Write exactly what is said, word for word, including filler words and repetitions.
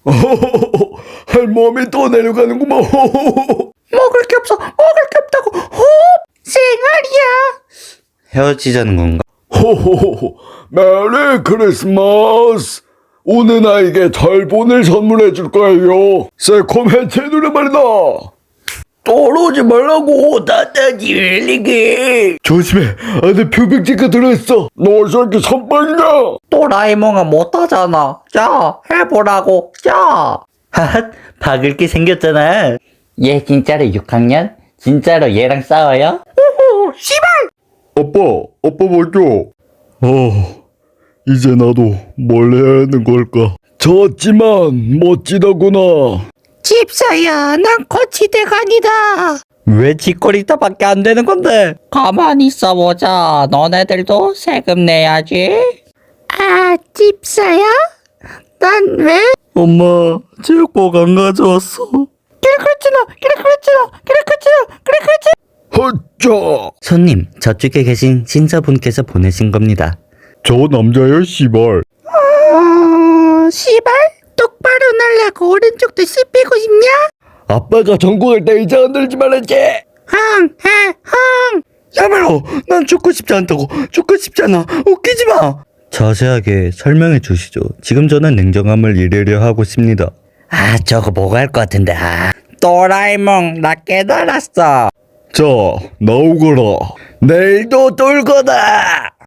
할멈이 또 내려가는구만. 먹을 게 없어. 먹을 게 없다고. 호 생활이야. 헤어지자는 건가? 호호호호. 메리 크리스마스. 오늘 나에게 달본을 선물해 줄 거예요. 새콤해치 노래 말이다. 떨어지 말라고. 나다지 웰리게. 조심해. 안에 표백제가 들어있어. 너 저렇게 선빵이냐? 또라이몽은 못하잖아. 자, 해보라고. 자. 하핫, 박을게 생겼잖아. 얘 진짜로 육 학년? 진짜로 얘랑 싸워요? 오호, 씨발! 아빠, 아빠 먼저. 어, 이제 나도 뭘 해야 하는 걸까? 졌지만 멋지다구나. 집사야, 난 거치대간이다. 왜 짓거리다밖에 안 되는 건데? 가만히 있어보자. 너네들도 세금 내야지. 아, 집사야? 난 왜? 엄마, 체육복 안 가져왔어. 그래 그랬잖아. 그래 그랬잖아. 그래 그랬잖아. 그래 그랬잖아. 허짜. 손님, 저쪽에 계신 신사분께서 보내신 겁니다. 저 남자야, 씨발. 어... 씨발? 똑바로 날라고 오른쪽도 씹히고 싶냐? 아빠가 전국을 때 이제 흔들지 말았지. 흥, 해, 흥. 야말로, 난 죽고 싶지 않다고. 죽고 싶지 않아. 웃기지 마. 자세하게 설명해 주시죠. 지금 저는 냉정함을 이래려 하고 있습니다. 아, 저거 뭐가 할 것 같은데. 아. 도라에몽, 나 깨달았어. 자, 나오거라. 내일도 똘 거다.